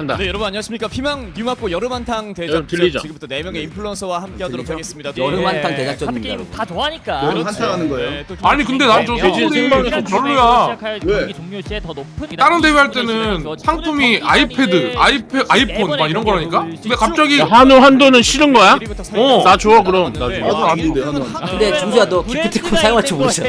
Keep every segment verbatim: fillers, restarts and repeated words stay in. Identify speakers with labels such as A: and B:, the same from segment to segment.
A: 한다.
B: 네, 여러분 안녕하십니까. 피망 뉴맞고 여름한탕 대작전
A: 들리죠?
B: 지금부터 네 명의 인플루언서와 함께하도록 하겠습니다.
C: 여름한탕
B: 예.
C: 대작전입니다.
D: 게임 다 좋아하니까.
E: 여름 한탕 하는 거예요?
B: 네, 또
F: 아니 근데 난 저
A: 대진
F: 소리
A: 생방이
F: 좀
A: 좀
F: 별로야.
D: 시작할
E: 왜?
D: 경기 종료 시에 더 높은
F: 다른 대회 할 때는 상품이 아이패드, 아이패, 아이폰 막 이런 거라니까? 근데 갑자기
A: 야, 한우 한도는 싫은 거야?
F: 어.
A: 나 줘 그럼. 나 줘.
E: 나도 아닌데 한우 한탕.
C: 근데 중수야 너 기프티콘 사용할 줄 모르잖아.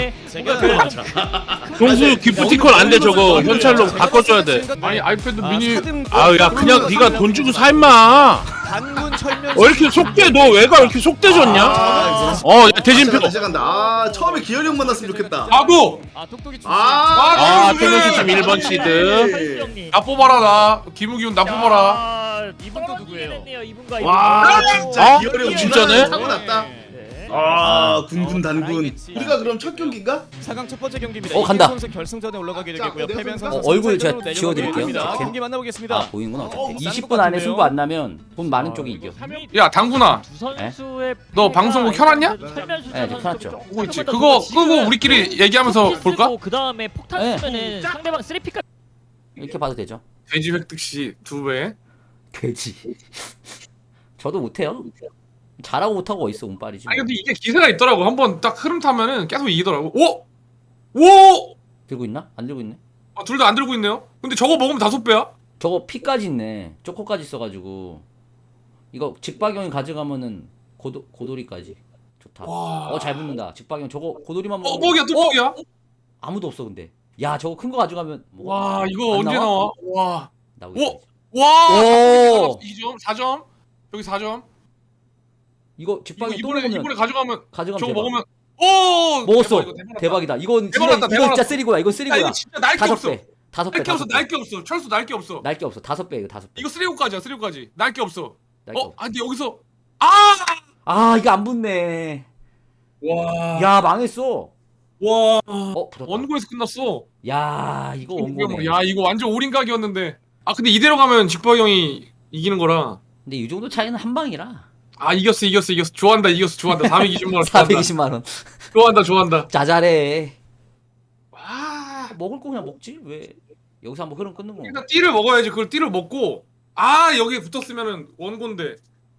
A: 종수 기프티콘 안 돼 저거 현찰로 바꿔줘야 돼.
F: 아니 아이패드 미니
A: 아우 야 그냥 네가 돈 주고 사 임마.
B: 단군 철면
A: 왜 이렇게 속대? 너 왜가 왜 이렇게 속대졌냐?
E: 아,
A: 어, 야, 대진표.
E: 시작한다 시작한다. 아 처음에 기열이 형 만났으면 좋겠다.
F: 나도
B: 아 똑똑이 출신.
E: 아,
A: 아, 태명수심 일 번 시드.
F: 나 뽑아라 나 김우기훈 나 뽑아라.
D: 이분도 누구예요? 이분과
E: 와
D: 이분.
E: 진짜
A: 어?
E: 기열이 형
A: 진짜네?
E: 사고 났다.
D: 네.
E: 아 군군 단군.
B: 알겠지.
E: 우리가 그럼 첫 경기인가?
B: 사 강 첫 번째 경기입니다.
C: 어, 간다.
B: 이기훈 선수 결승전에 올라가게
E: 자,
B: 되겠고요.
E: 내가
B: 패배한
E: 좀
B: 선수
C: 어, 얼굴 제가
B: 선착순으로
C: 지워드릴게요.
B: 내려가게 됩니다.
C: 이렇게.
B: 경기 만나보겠습니다.
C: 아 보이는구나.
E: 어,
C: 이십 분 안에 승부 안 나면 돈 많은 쪽이 이겨.
F: 야 당구나
D: 두 선수의
F: 너 방송국 켜놨냐?
C: 네, 저 켜놨죠.
F: 보고 있지. 그거 끄고 우리끼리 얘기하면서 볼까?
D: 그 다음에 폭탄
C: 네.
D: 쓰면은 상대방 쓰리피까.
C: 이렇게 봐도 되죠.
F: 돼지 획득 시두 배.
C: 돼지. 저도 못해요. 잘하고 못하고 어딨어 운빨이지.
F: 아니 근데 이게 기세가 있더라고. 한번 딱 흐름 타면은 계속 이기더라고. 오! 오!
C: 들고 있나? 안 들고 있네.
F: 아, 둘 다 안 들고 있네요. 근데 저거 먹으면 다섯 배야?
C: 저거 피까지 있네. 초코까지 있어가지고 이거 직박형이 가져가면은 고도 고도리까지 좋다.
F: 와.
C: 어 잘 붙는다. 직박형 저거 고도리만
F: 어,
C: 먹으면
F: 뻑이야 또 뻑이야?
C: 아무도 없어 근데. 야 저거 큰 거 가져가면 뭐
F: 와, 이거
C: 안
F: 언제
C: 나와?
F: 나와? 와.
C: 나오고
F: 오!
C: 있어야지.
F: 와!
C: 오!
F: 이 점, 사 점. 여기 사 점.
C: 이거
F: 이거
C: 직박형 또
F: 이번에
C: 먹으면
F: 이번에 가져가면
C: 가져가면
F: 저거
C: 대박.
F: 먹으면 오!
C: 먹었어.
F: 대박, 이거 대박 났다.
C: 대박이다. 이건
F: 대박
C: 진짜
F: 났다,
C: 이거
F: 대박
C: 진짜
F: 났다.
C: 쓰리고야. 이거
F: 야,
C: 쓰리고야.
F: 이거 진짜 날게
C: 다섯
F: 없어.
C: 배. 다섯 배.
F: 날게 없어.
C: 다섯 배.
F: 날게 없어. 철수 날게 없어.
C: 날게 없어. 다섯 배 이거 다섯 배.
F: 이거 쓰리고까지야. 쓰리고까지. 날게 없어.
C: 날게
F: 어?
C: 없어.
F: 아, 근데 여기서 아!
C: 아 이거 안 붙네.
F: 와.
C: 야 망했어.
F: 와.
C: 어 붙었다.
F: 원고에서 끝났어.
C: 야 이거 원고네.
F: 야, 이거 완전 올인각이었는데. 아, 근데 이대로 가면 직박 형이 이기는 거라.
C: 근데 이 정도 차이는 한 방이라.
F: 아, 이겼어. 이겼어. 이겼어. 좋아한다. 이겼어. 좋아한다. 사백이십만 원. 좋아한다.
C: 사백이십만 원.
F: 좋아한다. 좋아한다.
C: 자잘해.
F: 와.
C: 먹을 거 그냥 먹지 왜? 여기서 한번 흐름 끊는 거.
F: 일단 띠를 먹어야지. 그걸 띠를 먹고 아, 여기에 붙었으면은 원고인데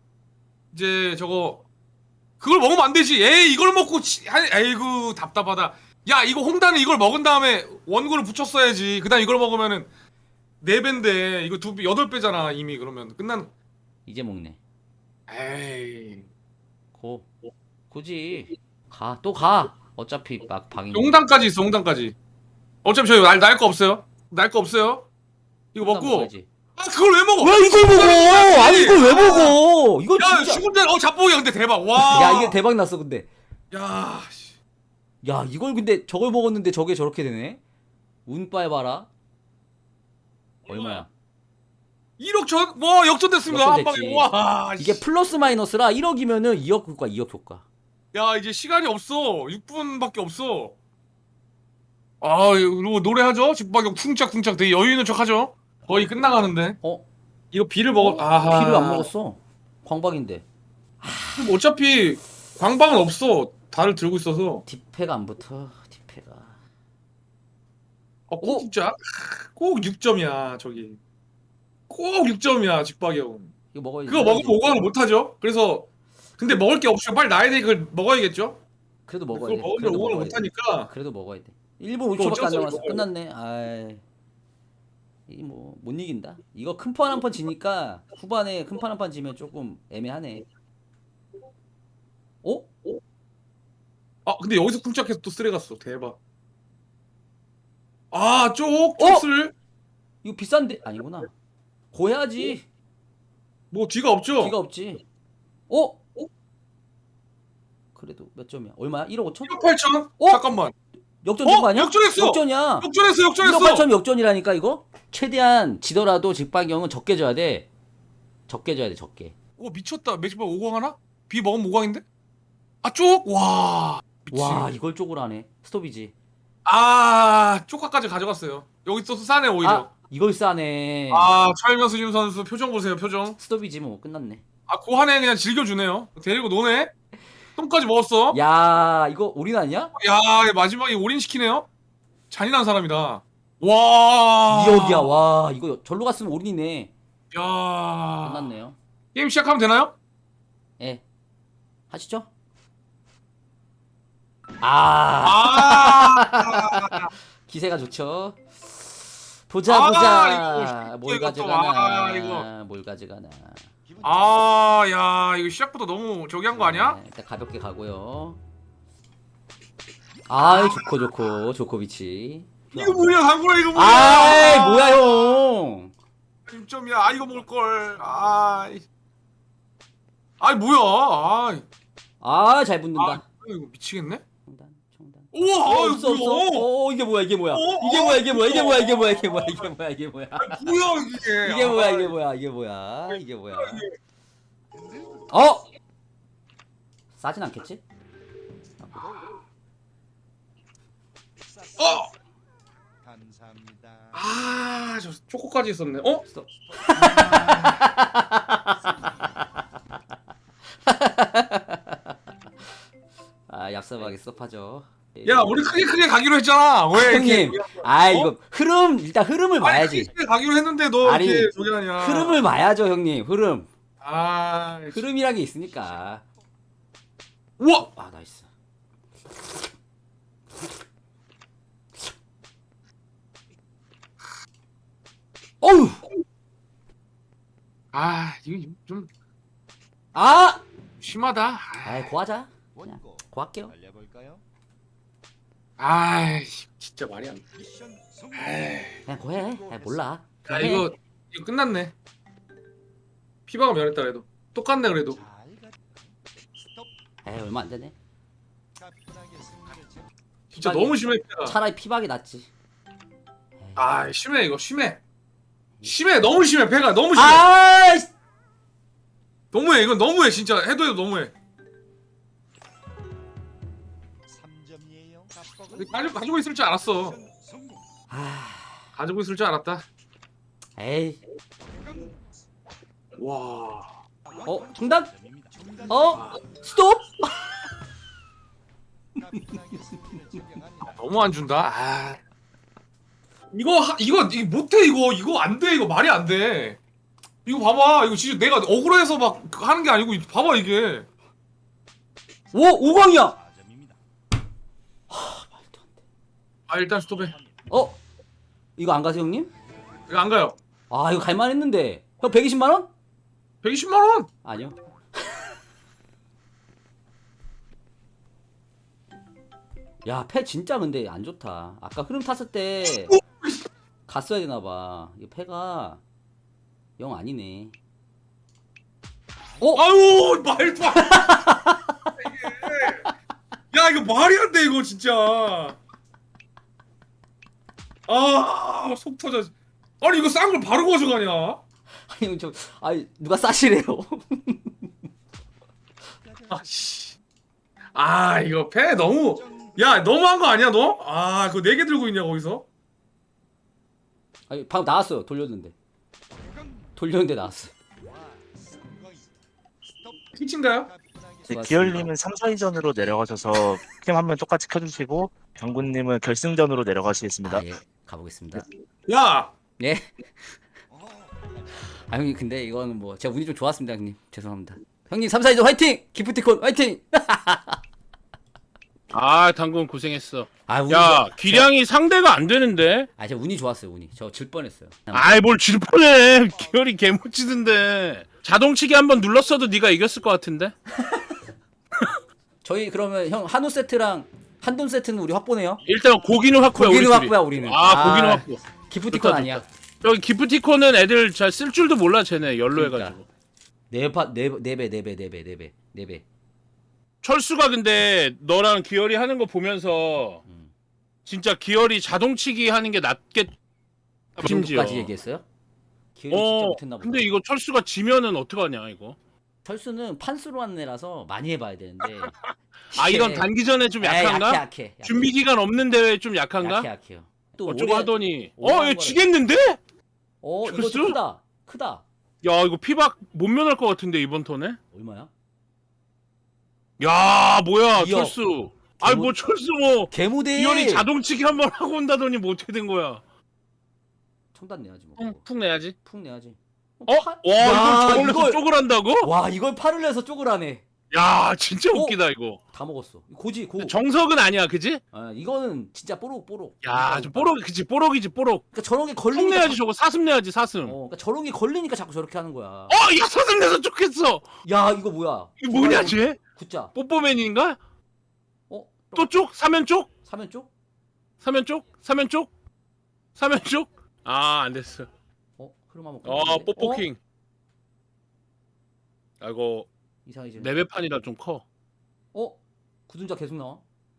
F: 이제 저거 그걸 먹으면 안 되지. 에이, 이걸 먹고 치... 아이, 아이고 답답하다. 야, 이거 홍단은 이걸 먹은 다음에 원고를 붙였어야지. 그다음 이걸 먹으면은 네 배인데 이거 두 배, 여덟 배잖아 이미. 그러면 끝난.
C: 이제 먹네.
F: 에이.
C: 고. 굳이 가. 또 가. 어차피 막 방이.
F: 홍단까지 있어. 홍단까지. 어차피 저희 날날거 없어요. 날 거 없어요. 이거 먹고.
C: 먹어야지.
F: 아, 그걸 왜 먹어?
C: 왜 이걸 먹어? 아니 이걸 왜 먹어? 이거
F: 야,
C: 진짜.
F: 죽은 자, 어 잡복이야. 근데 대박. 와.
C: 야 이게 대박 났어 근데.
F: 야. 씨.
C: 야 이걸 근데 저걸 먹었는데 저게 저렇게 되네. 운빨 봐라. 얼마야?
F: 일억 전? 와, 역전됐습니다. 한
C: 역전됐지.
F: 방에. 와.
C: 이게 플러스 마이너스라 일억이면은 이억 효과, 이억 효과.
F: 야, 이제 시간이 없어. 육 분밖에 없어. 아, 이거 노래하죠? 직박형 쿵짝쿵짝 되게 여유 있는 척 하죠? 거의 끝나가는데.
C: 어?
F: 이거 비를 먹어. 아하.
C: 피를 안 먹었어. 광박인데.
F: 그럼 어차피 광방은 없어. 다를 들고 있어서.
C: 디페가 안 붙어. 디페가.
F: 어, 꼭 진짜? 꼭 육 점이야, 저기. 꼭 육 점이야, 직박형.
C: 이거 먹어야지.
F: 그거 먹으면 오 강을 못 하죠? 그래서 근데 먹을 게 없죠. 빨리 나야 돼. 그걸 먹어야겠죠?
C: 그래도 먹어야
F: 그걸
C: 돼.
F: 먹으면
C: 그래도
F: 오 강을
C: 먹어야
F: 못
C: 돼.
F: 하니까.
C: 그래도 먹어야 돼. 일 분
F: 그거
C: 오 초밖에 안
F: 어쩔 수
C: 남았어.
F: 없어.
C: 끝났네. 아이. 이뭐 못 이긴다. 이거 큰 판 한 판 지니까 후반에 큰 판 한 판 지면 조금 애매하네. 어?
F: 아, 근데 여기서 쿵짝해서 또 쓰레 갔어. 대박. 아, 쪽 쪽스를
C: 이거 비싼데 아니구나. 고해야지.
F: 뭐 뒤가 없죠?
C: 기가 없지. 어? 어? 그래도 몇 점이야? 얼마야? 일억 오천?
F: 일억 팔천?
C: 어?
F: 잠깐만.
C: 역전
F: 어?
C: 된거 아니야?
F: 역전했어!
C: 역전이야.
F: 역전했어.
C: 일억
F: 역전했어.
C: 팔천 역전이라니까 이거? 최대한 지더라도 직박형은 적게 져야 돼. 적게 져야 돼, 적게.
F: 오, 미쳤다. 맥시박 오 강 하나? 비 먹으면 오 강인데? 아, 쪽. 와. 미친.
C: 와, 이걸 쪽으로 하네. 스톱이지.
F: 아, 쪽화까지 가져갔어요. 여기 있어서 싸네 오히려.
C: 아, 이걸 싸네.
F: 아, 차일명수님 선수 표정 보세요. 표정.
C: 스톱이지 뭐 끝났네.
F: 아, 그 한해 그냥 즐겨주네요. 데리고 노네. 똥까지 먹었어.
C: 야, 이거 올인 아니야?
F: 야, 마지막에 올인시키네요. 잔인한 사람이다. 와.
C: 이억이야. 와, 이거 절로 갔으면 올인이네.
F: 야.
C: 끝났네요.
F: 게임 시작하면 되나요?
C: 예. 하시죠. 아,
F: 아.
C: 기세가 좋죠. 보자
F: 아,
C: 보자.
F: 이거
C: 뭘
F: 이거 또,
C: 가져가나.
F: 아, 이거.
C: 뭘 가져가나.
F: 아, 야, 이거 시작부터 너무 저기 한 거 아니야?
C: 네, 일단 가볍게 가고요. 아, 좋고 좋고 조코비치.
F: 이거 뭐야, 강구라 이거 뭐야?
C: 아이, 뭐야 형.
F: 육 점이야. 아, 이거 먹을 걸. 아. 아이, 뭐야? 아.
C: 아, 잘
F: 아,
C: 붙는다.
F: 이거 미치겠네.
C: 청단, 청단.
F: 우와,
C: 어,
F: 아,
C: 없어
F: 이거
C: 없어.
F: 뭐야?
C: 어, 이게 뭐야 이게 뭐야?
F: 어,
C: 이게
F: 어,
C: 뭐야 이게 뭐야 이게
F: 어.
C: 뭐야 이게 뭐야 이게 뭐야 이게 뭐야 이게 뭐야 이게 뭐야?
F: 뭐야 이게?
C: 이게 뭐야
F: 아,
C: 이게 뭐야 이게 뭐야 이게 뭐야? 어? 싸진 않겠지?
F: 어.
B: 감사합니다.
F: 아, 저 초코까지 있었네. 어?
C: 스톱. 아, 얍삽하게 스톱하죠.
F: 야, 우리 크게 크게 가기로 했잖아. 왜 이렇게?
C: 형님, 아 이거 흐름 일단 흐름을
F: 아니,
C: 봐야지.
F: 크게 가기로 했는데 너
C: 아니,
F: 이렇게 저기 하냐?
C: 흐름을 봐야죠, 형님. 흐름.
F: 아,
C: 흐름이란 게 있으니까.
F: 우와.
C: 아, 나이스. 어우.
F: 아, 이거 좀
C: 아!
F: 심하다.
C: 아이, 고하자. 그냥 고할게요.
B: 달려볼까요?
F: 아, 진짜 말이 안 돼.
C: 그냥 고해. 아, 몰라.
F: 아,
C: 그냥 해.
F: 이거 이거 끝났네. 피바가 면했다 그래도 똑같네 그래도.
C: 에이, 얼마 안 되네.
F: 진짜
C: 피박이-
F: 너무 심해. 피가.
C: 차라리 피박이 낫지.
F: 아, 심해 이거 심해. 심해 너무 심해 패가 너무 심해.
C: 아!
F: 너무해 이건 너무해 진짜 해도 해도 너무해.
B: 삼 점이에요.
F: 가지고 가지고 있을 줄 알았어.
C: 아.
F: 가지고 있을 줄 알았다.
C: 에이.
F: 와.
C: 어, 중단? 어? 스톱?
F: 너무 안 준다. 아. 이거 하, 이거 이거 못해 이거 이거 안 돼 이거 말이 안 돼. 이거 봐봐 이거 진짜 내가 억울해서 막 하는 게 아니고 봐봐 이게.
C: 오, 오광이야. 하, 말도 안 돼.
F: 아 일단 스톱해.
C: 어? 이거 안 가세요, 형님?
F: 이거 안 가요.
C: 아, 이거 갈만 했는데. 형 백이십만 원?
F: 백이십만 원.
C: 아니요. 야, 패 진짜 근데 안 좋다. 아까 흐름 탔을 때 갔어야 되나 봐. 이 패가 영 아니네. 어?
F: 아유 말도 안 돼. 이게. 야 이거 말이 안 돼 이거 진짜. 아속 터져. 아니 이거 싼 걸 바로 가져가냐?
C: 아니, 형, 저, 아니, 누가 싸시래요?
F: 아씨. 아 이거 패 너무. 야 너무한 거 아니야 너? 아 그거 네 개 들고 있냐 거기서?
C: 아니, 방금 나왔어요. 돌렸는데. 돌렸는데 나왔어.
F: 피치인가요?
G: 네, 기열님은 삼, 사위전으로 내려가셔서 캠 한 번 똑같이 켜주시고 장군님은 결승전으로 내려가시겠습니다.
C: 아, 예. 가보겠습니다.
F: 야.
C: 예. 아, 형님, 근데 이거는 뭐, 제가 운이 좀 좋았습니다, 형님. 죄송합니다. 형님, 삼, 사이전 화이팅! 기프티콘 화이팅!
A: 아 당근 고생했어.
C: 아, 운이
A: 야
C: 좋아-
A: 기량이 상대가 안 되는데.
C: 아, 제가 운이 좋았어요, 운이. 저 질 뻔했어요.
A: 아이 뭘 질 뻔해. 기열이 개못치던데. 자동치기 한번 눌렀어도 네가 이겼을 것 같은데.
C: 저희 그러면 형 한우 세트랑 한돈 세트는 우리 확보네요.
A: 일단 고기는 확보야.
C: 고기는
A: 우리
C: 확보야,
A: 둘이.
C: 우리는.
A: 아 고기는
C: 아,
A: 확보.
C: 기프티콘
A: 좋다,
C: 아니야.
A: 여기 기프티콘은 애들 잘 쓸 줄도 몰라 쟤네 열로
C: 그러니까.
A: 해가지고.
C: 네파네네배네배네배네배
A: 철수가 근데 너랑 기열이 하는 거 보면서
C: 음.
A: 진짜 기열이 자동치기 하는 게 낫겠. 심지어.
C: 정도까지 얘기했어요? 기회를 진짜
A: 어.
C: 못했나 보다.
A: 근데 이거 철수가 지면은 어떡하냐 이거.
C: 철수는 판수로 하는 애라서 많이 해봐야 되는데.
A: 아 이건
C: 예.
A: 단기전에 좀
C: 에이,
A: 약한가?
C: 약해, 약해, 약해.
A: 준비 기간 없는 대회 좀 약한가?
C: 약해, 약해요. 또
A: 어쩌고
C: 오래-
A: 하더니
C: 오래
A: 어
C: 한
A: 얘
C: 거라.
A: 지겠는데?
C: 어, 이거
A: 철수?
C: 좀 크다. 크다.
A: 야 이거 피박 못 면할 것 같은데 이번 턴에?
C: 얼마야?
A: 야 뭐야
C: 이억.
A: 철수. 아이 뭐 철수 뭐
C: 개무대.
A: 기열이 자동치기 한번 하고 온다더니 뭐 어떻게 된 거야?
C: 청단 내야지 뭐.
A: 푹, 푹 내야지.
C: 푹 내야지.
A: 어? 와 이걸 저걸로
C: 이걸-
A: 쪽을 한다고?
C: 와 이걸 팔을 내서 쪽을 하네.
A: 야 진짜
C: 어?
A: 웃기다 이거.
C: 다 먹었어. 고지 고.
A: 정석은 아니야 그지?
C: 아, 이거는 진짜 뽀록 뽀록.
A: 야, 저 뽀록, 그치, 뽀록이지, 뽀록.
C: 그러니까 저런 게
A: 속
C: 걸리니까.
A: 내야지, 저거 사슴 내야지, 사슴.
C: 자-
A: 어,
C: 어, 그러니까 저런 게 걸리니까 자꾸 저렇게 하는 거야.
A: 야, 사슴 내서 쫓겠어!
C: 야 이거 뭐야?
A: 이거 뭐냐, 쟤?
C: 굿자.
A: 뽀뽀맨인가?
C: 어?
A: 또 쪽? 사면 쪽?
C: 사면 쪽?
A: 사면 쪽? 사면 쪽? 사면 쪽? 아, 안 됐어.
C: 어? 흐름 한번.
A: 어,
C: 끊었는데? 어?
A: 뽀뽀킹. 아이고,
C: 이상해지네.
A: 레벨판이라 좀 커.
C: 어? 구dun자 계속 나와?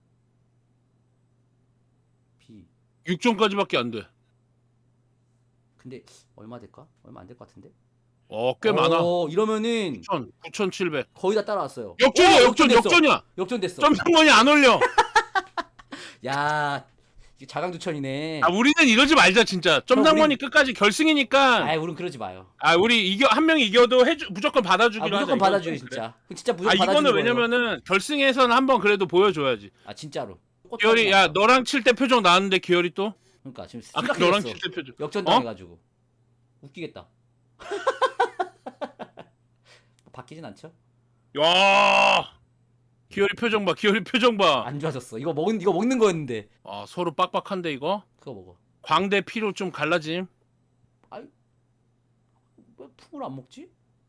C: B.
A: 육 점까지밖에 안 돼.
C: 근데 얼마 될까? 얼마 안 될 것 같은데?
A: 어, 꽤 많아.
C: 어, 이러면은
A: 구천, 구천칠백.
C: 거의 다 따라왔어요.
A: 역전이야,
C: 어,
A: 역전,
C: 역전됐어.
A: 역전이야!
C: 역전됐어.
A: 점상권이 안 올려!
C: 야, 이게 자강두천이네.
A: 아, 우리는 이러지 말자, 진짜. 점상권이
C: 우리-
A: 끝까지 결승이니까.
C: 아이, 우린 그러지 마요.
A: 아, 우리 이겨, 한 명이 이겨도 해주, 무조건
C: 아,
A: 받아주기로 하자.
C: 무조건
A: 이건
C: 받아줘요,
A: 좀
C: 진짜. 진짜
A: 아,
C: 무조건 받아주는
A: 이거는
C: 거예요.
A: 왜냐면은 결승에서는 한번 그래도 보여줘야지.
C: 아, 진짜로.
A: 기열이, 야, 너랑 칠 때 표정 나왔는데, 기열이 또?
C: 그러니까 지금
A: 아,
C: 심각해졌어.
A: 너랑 칠 때 표정.
C: 역전
A: 어?
C: 당해가지고 웃기겠다. 바뀌진 않죠?
A: 야 기열이 표정 봐, 기열이 표정 봐.
C: 안 좋아졌어. 이거 먹은 이거 먹는 거였는데.
A: 아, 서로 빡빡한데, 이거?
C: 그거 먹어.
A: 광대 피로 좀 갈라짐.
C: 왜 풍을 안 먹지?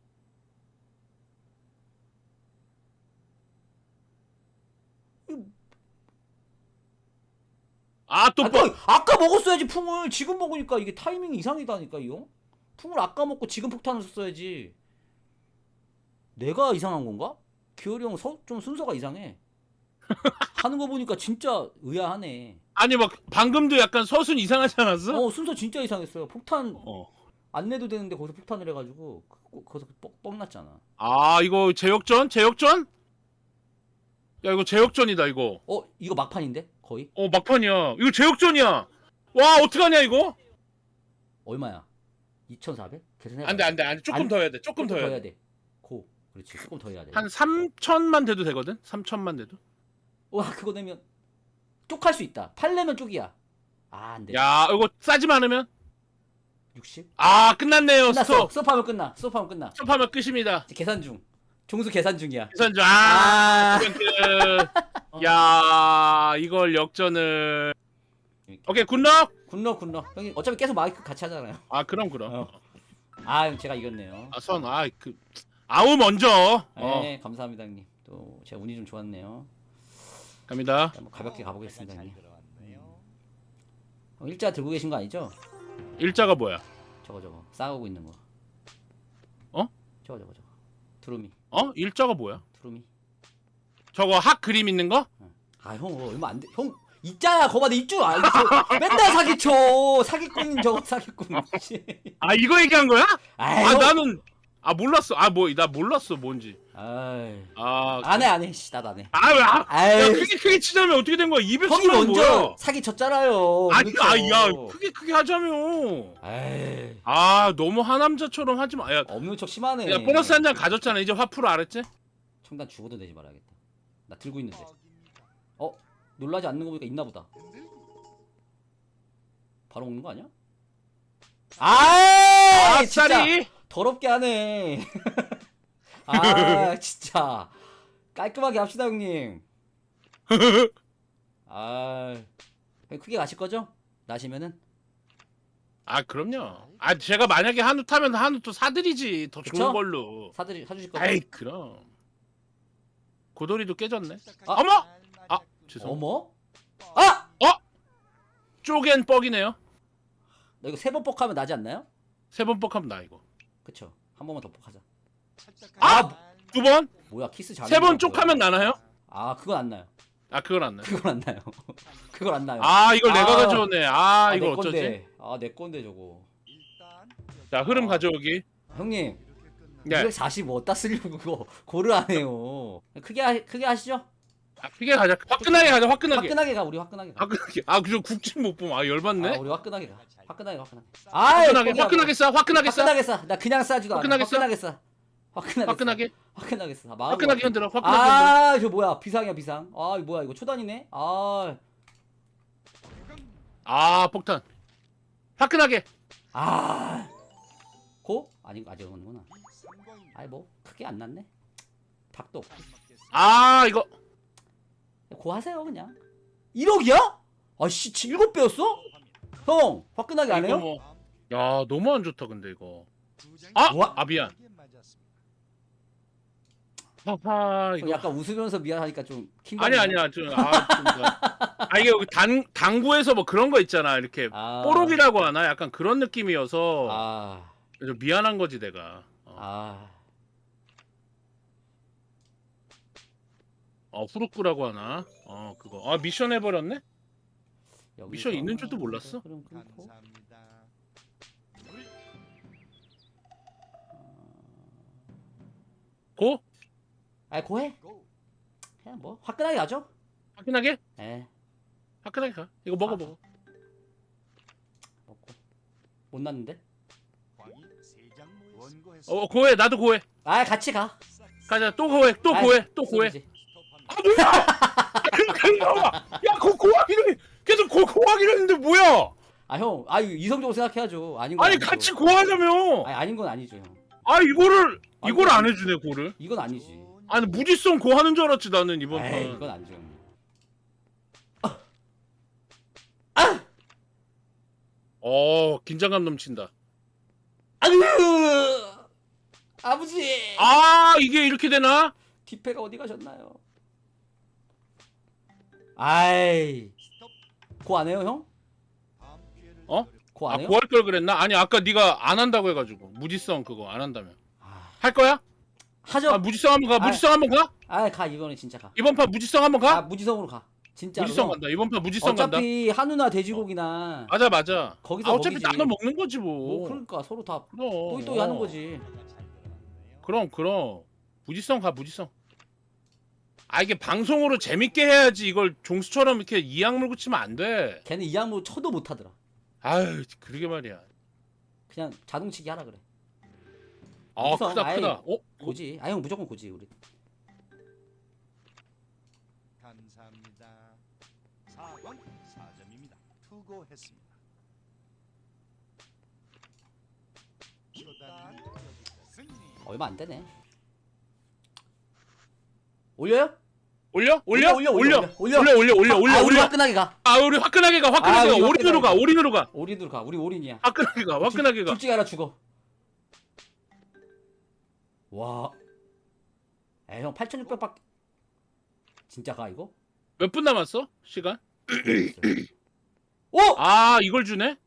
A: 아, 또
C: 아,
A: 뻑!
C: 또 아까 먹었어야지 풍을. 지금 먹으니까 이게 타이밍이 이상하다니까 이거. 풍을 아까 먹고 지금 폭탄을 썼어야지. 내가 이상한 건가? 기열이 형 좀 순서가 이상해. 하는 거 보니까 진짜 의아하네.
A: 아니, 막, 방금도 약간 서순 이상하지 않았어?
C: 어 순서 진짜 이상했어요. 폭탄
A: 어.
C: 안 내도 되는데 거기서 폭탄을 해가지고 거- 거기서 뻑, 뻑 났잖아.
A: 아, 이거 제역전? 제역전? 야, 이거 제역전이다, 이거.
C: 어 이거 막판인데 거의
A: 어, 막판이야. 이거 제역전이야. 와, 어떡하냐, 이거?
C: 얼마야? 이천사백? 계산해.
A: 안 돼, 안 돼, 안 돼. 조금
C: 안-
A: 더 해야 돼, 조금 더 해야 돼.
C: 돼. 고. 그렇지. 조금 더 해야 돼.
A: 한 삼천만 돼도 되거든? 삼천만 돼도?
C: 와 그거 내면 쪽할 수 있다. 팔 내면 쪽이야. 아 안 돼.
A: 야, 이거 싸지 않으면?
C: 육십?
A: 아, 끝났네요,
C: 끝났어.
A: 스톱.
C: 스톱하면 끝나. 스톱하면 끝나.
A: 스톱하면 끝입니다.
C: 이제 계산 중. 종수 계산 중이야.
A: 계산주, 아,
C: 아.
A: 끝. 야, 이걸 역전을. 오케이, 굿럭.
C: 굿럭 굿럭. 형님 어차피 계속 마이크 같이 하잖아요.
A: 아, 그럼, 그럼.
C: 어. 아 형, 제가 이겼네요.
A: 아, 선, 아, 그, 아우, 먼저. 어,
C: 네 감사합니다 형님. 또 제가 운이 좀 좋았네요.
A: 갑니다.
C: 한번 가볍게 가보겠습니다 형님.
B: 들어왔네요.
C: 형 일자 들고 계신 거 아니죠?
A: 일자가 뭐야?
C: 저거 저거 싸우고 있는 거.
A: 어?
C: 저거 저거 저거. 두루미
A: 어? 일자가 뭐야?
C: 두루미.
A: 저거 학 그림 있는 거?
C: 아 형 얼마 안 돼. 형 있잖아 거봐 내 입주 아 이거 맨날 사기쳐 사기꾼 저거 사기꾼.
A: 아, 이거 얘기한 거야?
C: 아이,
A: 아,
C: 형.
A: 나는, 아, 몰랐어. 아, 뭐, 나 몰랐어, 뭔지.
C: 아이.
A: 아,
C: 안해 안해 씨 나도 안해.
A: 아, 왜, 아, 야,
C: 아이.
A: 크게, 크게 치자면 어떻게 된 거야?
C: 형이
A: 이백십만
C: 먼저
A: 뭐야?
C: 사기 쳤잖아요.
A: 아니,
C: 그렇죠.
A: 아, 야, 크게, 크게 하자며.
C: 에이
A: 아, 너무 하남자처럼 하지 마. 야,
C: 없는 척 심하네.
A: 야 보너스 한 장 가졌잖아. 이제 화풀어 알았지?
C: 총단 죽어도 내지 말아야겠다. 나 들고 있는데. 어 놀라지 않는 거 보니까 있나 보다. 바로 먹는 거 아니야? 아, 진짜
A: 아싸리!
C: 더럽게 하네. 아, 진짜 깔끔하게 합시다 형님. 아, 형 크게 가실 거죠? 나시면은
A: 아, 그럼요. 아, 제가 만약에 한우 타면 한우 또 사드리지. 더
C: 그쵸?
A: 좋은 걸로.
C: 사드리 사주실 거죠?
A: 아이, 그럼. 고돌이도 깨졌네.
C: 아.
A: 어머! 아, 죄송.
C: 어머? 아,
A: 쪼갠 뻑이네요.
C: 나 이거 세 번 뻑하면 나지 않나요?
A: 세 번 뻑하면 나, 이거.
C: 그쵸? 한 번만 더 뻑하자.
A: 아! 두 번?
C: 뭐야 키스 잘.
A: 세 번 쪽하면 나나요?
C: 아, 그건 안 나요.
A: 아, 그건 안 나요.
C: 그건 안 나요. 그건 안 나요.
A: 아, 이걸 내가
C: 아.
A: 가져오네. 아,
C: 아,
A: 이걸
C: 내
A: 어쩌지?
C: 건데. 아, 내 건데 저거.
B: 일단
A: 자, 흐름 가져오기.
C: 형님,
B: 이렇게 끝나.
A: 네.
C: 이백사십오 어디다 쓰려고 그거 고를 안 해요. 크게 하, 크게 하시죠.
A: 아, 크게 가자. 화끈하게 가자, 화끈하게.
C: 화끈하게 가. 우리 화끈하게 가.
A: 화끈하게. 아, 그저 국진 못 보면 아, 열받네.
C: 아, 우리 화끈하게 가. 화끈하게 화끈하게. 아,
A: 화끈하게, 화끈하게 싸, 화끈하게 싸.
C: 화끈하게 싸. 나 그냥 싸지도 않아.
A: 화끈하게 싸?
C: 화끈하게 싸. 화끈하게.
A: 화끈하게.
C: 싸. 화끈하게 싸. 마음이
A: 화끈하게
C: 와.
A: 흔들어, 화끈하게 흔들어.
C: 아, 저 뭐야? 비상이야, 비상. 아, 이거 뭐야? 이거 초단이네. 아.
A: 아, 폭탄. 화끈하게.
C: 아. 고? 아니 아직 오는구나.
B: 삼광입니다.
C: 아이 뭐 크게 안 났네. 닭도 없고.
A: 아 이거
C: 고 하세요 그냥. 일억이야? 아씨 일곱 배였어? 형 화끈하게 안
A: 이거
C: 해요?
A: 뭐, 야 너무 안 좋다 근데 이거. 아!
C: 와.
A: 아 미안. 하하
C: 형
A: 이거.
C: 약간 웃으면서 미안하니까 좀 킹.
A: 아니 아니야 좀 아, 좀 뭐. 아 이게 여기 단 당구에서 뭐 그런 거 있잖아 이렇게
C: 아.
A: 뽀록이라고 하나 약간 그런 느낌이어서
C: 아.
A: 좀 미안한 거지 내가. 어,
C: 아.
A: 어 후루꾸라고 하나? 어 그거. 아 미션 해버렸네?
C: 여기서
A: 미션 있는 줄도 몰랐어?
C: 그럼 끊고.
B: 감사합니다.
A: 고?
C: 아이 고해.
B: 고.
C: 그냥 뭐 화끈하게 가죠.
A: 화끈하게?
C: 에
A: 화끈하게 가. 이거 먹어
C: 아.
A: 먹어.
C: 먹고. 못 났는데?
B: 광이 세장 모였습니다. 원고했습니다.
A: 어 고해 나도 고해.
C: 아 같이 가.
A: 가자 또 고해 또
C: 아이,
A: 고해 또 고해.
C: 쏘지.
A: 아 뭐야? 야고 고하기로 해. 계속 고 고하기로 했는데 뭐야?
C: 아 형, 아 이거 이성적으로 생각해야죠. 아닌 건
A: 아니
C: 아니죠.
A: 같이 고하자며.
C: 아니 아닌 건 아니죠 형.
A: 아 이거를
C: 아니,
A: 이걸
C: 아니.
A: 안 해주네 고를.
C: 이건 아니지.
A: 아니 무지성 고하는 줄 알았지 나는 이번
C: 에이
A: 판.
C: 이건 아니죠 형.
A: 어 긴장감 넘친다.
C: 아으 아버지.
A: 아 이게 이렇게 되나?
C: 뒷배가 어디 가셨나요? 아이 고 안 해요 형?
B: 다음 기회를
A: 어?
C: 고
A: 아
C: 안 해요?
A: 고할 걸 그랬나? 아니 아까 네가 안 한다고 해가지고 무지성 그거 안 한다며.
C: 아,
A: 할 거야?
C: 하죠.
A: 아 무지성 한번 가. 무지성 한번 가?
C: 아가 이번에 진짜 가.
A: 이번 판 무지성 한번 가?
C: 아 무지성으로 가. 진짜로.
A: 무지성
C: 형.
A: 간다. 이번 판 무지성 간다.
C: 어차피 한우나 돼지고기나
A: 맞아 맞아.
C: 거기서
A: 아, 어차피
C: 먹이지.
A: 나눠 먹는 거지 뭐.
C: 뭐 그러니까 서로 다
A: 그럼.
C: 또이또이 하는 거지.
A: 그럼 그럼 무지성 가 무지성. 아 이게 방송으로 재밌게 해야지 이걸 종수처럼 이렇게 이악 물고 치면 안 돼.
C: 걔는 이 양무 쳐도 못 하더라.
A: 아유 그러게 말이야.
C: 그냥 자동치기 하라 그래.
A: 아
C: 무지성,
A: 크다
C: 아이,
A: 크다. 어?
C: 고지. 아 형 무조건 고지 우리.
B: 감사합니다. 사광 사 점입니다. 투고했습니다. 쇼다님 승리.
C: 얼마 안 되네. 올려요?
A: 올려? 올려?
C: 올려, 올려,
A: 올려
C: 올려,
A: 올려 올려 올려 올려
C: 아, 우리
A: 올려.
C: 화끈하게 가.
A: 아 우리 화끈하게 가 화끈하게
C: 아,
A: 가
C: 우리
A: 올인으로 가
C: 화끈하게
A: 올인으로 가
C: 올인으로 가. 우리 올인이야.
A: 화끈하게 가 화끈하게 가.
C: 둘 중에 하나 죽어. 와. 에 형 팔천육백밖에 진짜 가 이거?
A: 몇 분 남았어? 시간?
C: 오!
A: 아 이걸 주네?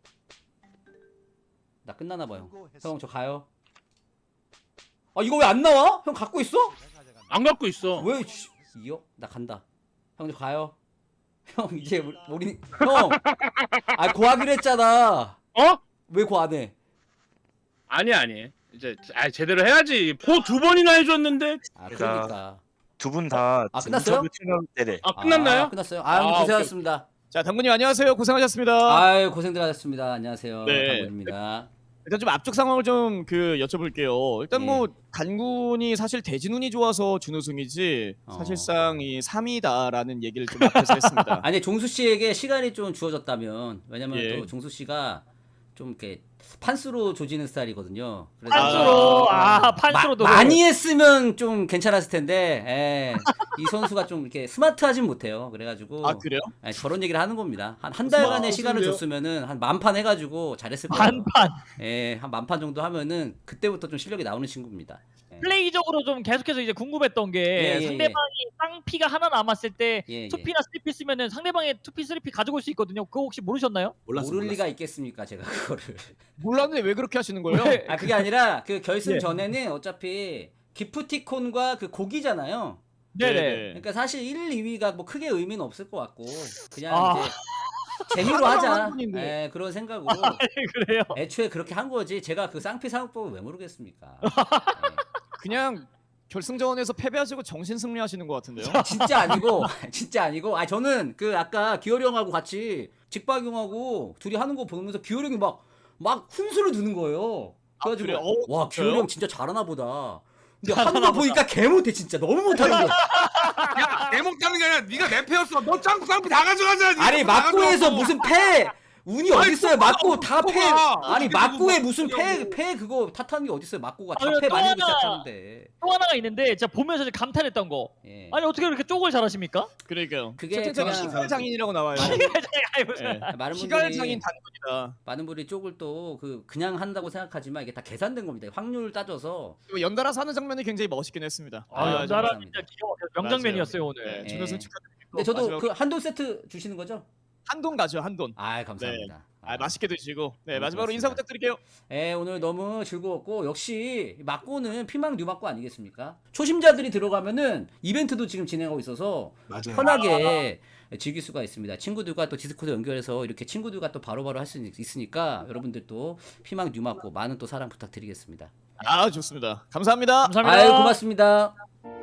C: 나 끝나나 봐요.
B: 투고했습니다.
C: 형 저 가요. 아 이거 왜 안 나와? 형 갖고 있어?
A: 안 갖고 있어.
C: 왜 씨, 이요? 나 간다. 형 저 가요. 형 이제 우리 우리- 형. 아 고하기로 했잖아.
A: 어?
C: 왜 고 안 해?
A: 아니 아니. 이제 아 제대로 해야지. 포 두 번이나 해줬는데.
C: 아 그러니까.
G: 두 분 다
C: 아, 끝났어요?
G: 네네.
A: 아 끝났나요?
C: 아, 끝났어요. 아, 형
A: 아,
C: 고생하셨습니다.
H: 자, 당구님 안녕하세요. 고생하셨습니다.
C: 아유 고생들 하셨습니다. 안녕하세요.
H: 네.
C: 당군입니다.
H: 일단 좀 앞쪽 상황을 좀 그 여쭤볼게요. 일단
C: 예.
H: 뭐 단군이 사실 대진운이 좋아서 준우승이지
C: 어.
H: 사실상 이 삼 위다라는 얘기를 좀 앞에서 했습니다.
C: 아니 종수 씨에게 시간이 좀 주어졌다면 왜냐면
H: 예.
C: 또 종수 씨가 좀 이렇게 판수로 조지는 스타일이거든요. 그래서
D: 판수로 아 판수로도
C: 마, 많이 했으면 좀 괜찮았을 텐데 에, 이 선수가 좀 이렇게 스마트하진 못해요. 그래가지고
H: 아 그래요?
C: 에, 저런 얘기를 하는 겁니다. 한 한 달간의 시간을
E: 스마트하군요.
C: 줬으면은 한 만판 해가지고 잘했을 거예요.
D: 반판
C: 예, 한 만판 정도 하면은 그때부터 좀 실력이 나오는 친구입니다. 예.
D: 플레이적으로 좀 계속해서 이제 궁금했던 게
C: 예, 예,
D: 상대방이 쌍피가 하나 남았을 때
C: 예, 예.
D: 투피나 쓰리피 쓰면은 상대방의 투피 쓰리피 가져올 수 있거든요. 그거 혹시 모르셨나요?
C: 모를 리가 있겠습니까, 제가 그거를.
H: 몰랐는데 왜 그렇게 하시는 거예요?
D: 왜?
C: 아 그게 아니라 그 결승
D: 예.
C: 전에는 어차피 기프티콘과 그 고기잖아요.
D: 네네.
C: 그러니까 사실 일, 이 위가 뭐 크게 의미는 없을 것 같고 그냥
D: 아.
C: 이제 재미로 하자.
H: 한 분인데.
C: 예, 그런 생각으로
D: 그래요.
C: 애초에 그렇게 한 거지. 제가 그 쌍피 사용법을 왜 모르겠습니까?
H: 그냥 결승전에서 패배하시고 정신 승리하시는 것 같은데요?
C: 예. 진짜 아니고 진짜 아니고. 아 저는 그 아까 기어리 형하고 같이 직박 형하고 둘이 하는 거 보면서 기어리 형이 막 막 훈수를 두는 거예요. 그래가지고
H: 그래요? 어,
C: 와
H: 진짜요?
C: 기어리 형 진짜 잘하나 보다. 근데 하는 거 보니까 개 못해 진짜 너무 못하는 거야.
F: 야, 내 목타는 게 아니라 네가 내 패였어. 너 짱구 쌍피 다 가져가자. 네가
C: 아니
F: 다
C: 막고에서
F: 가져갔어.
C: 무슨 패 운이 어딨어요? 맞고 다 패.
F: 맞고가
C: 아니
F: 어떻게
C: 맞고에
F: 그거
C: 무슨 패
F: 맞고냐고.
C: 패 그거 탓하는 게 어딨어요? 맞고가
D: 아니,
C: 다 패
D: 또
C: 말리고
D: 하나.
C: 시작하는데.
D: 또 하나가 있는데 제가 보면서 이제 감탄했던 거.
C: 예.
D: 아니 어떻게 그렇게 쪽을 잘하십니까?
H: 그러니까요.
C: 그게
H: 채팅창에
C: 그냥-
H: 시갈 장인이라고 나와요.
D: 아니, 무슨-
H: 예.
C: 많은
H: 시갈
C: 분들이
H: 장인 단군이다.
C: 많은 분들이 쪽을 또 그 그냥 한다고 생각하지만 이게 다 계산된 겁니다. 확률 따져서.
H: 그리고 연달아 사는 장면이 굉장히 멋있긴 했습니다.
C: 아,
D: 아, 연달아
C: 감사합니다.
D: 진짜 기가 막혀 명장면이었어요 오늘.
H: 네,
C: 예.
H: 준우승 축하드리고.
C: 근데 저도
H: 마지막으로
C: 그 한돈 세트 주시는 거죠?
H: 한돈 가죠 한돈.
C: 아 감사합니다.
H: 아, 맛있게 드시고. 네
C: 너무
H: 마지막으로
C: 고맙습니다.
H: 인사 부탁드릴게요.
C: 예, 오늘 너무 즐거웠고 역시 막고는 피망 뉴막고 아니겠습니까? 초심자들이 들어가면은 이벤트도 지금 진행하고 있어서
E: 맞아요.
C: 편하게 즐길 수가 있습니다. 친구들과 또 디스코드 연결해서 이렇게 친구들과 또 바로바로 할 수 있으니까 여러분들도 피망 뉴막고 많은 또 사랑 부탁드리겠습니다.
H: 아 좋습니다. 감사합니다.
D: 감사합니다.
C: 아유 고맙습니다.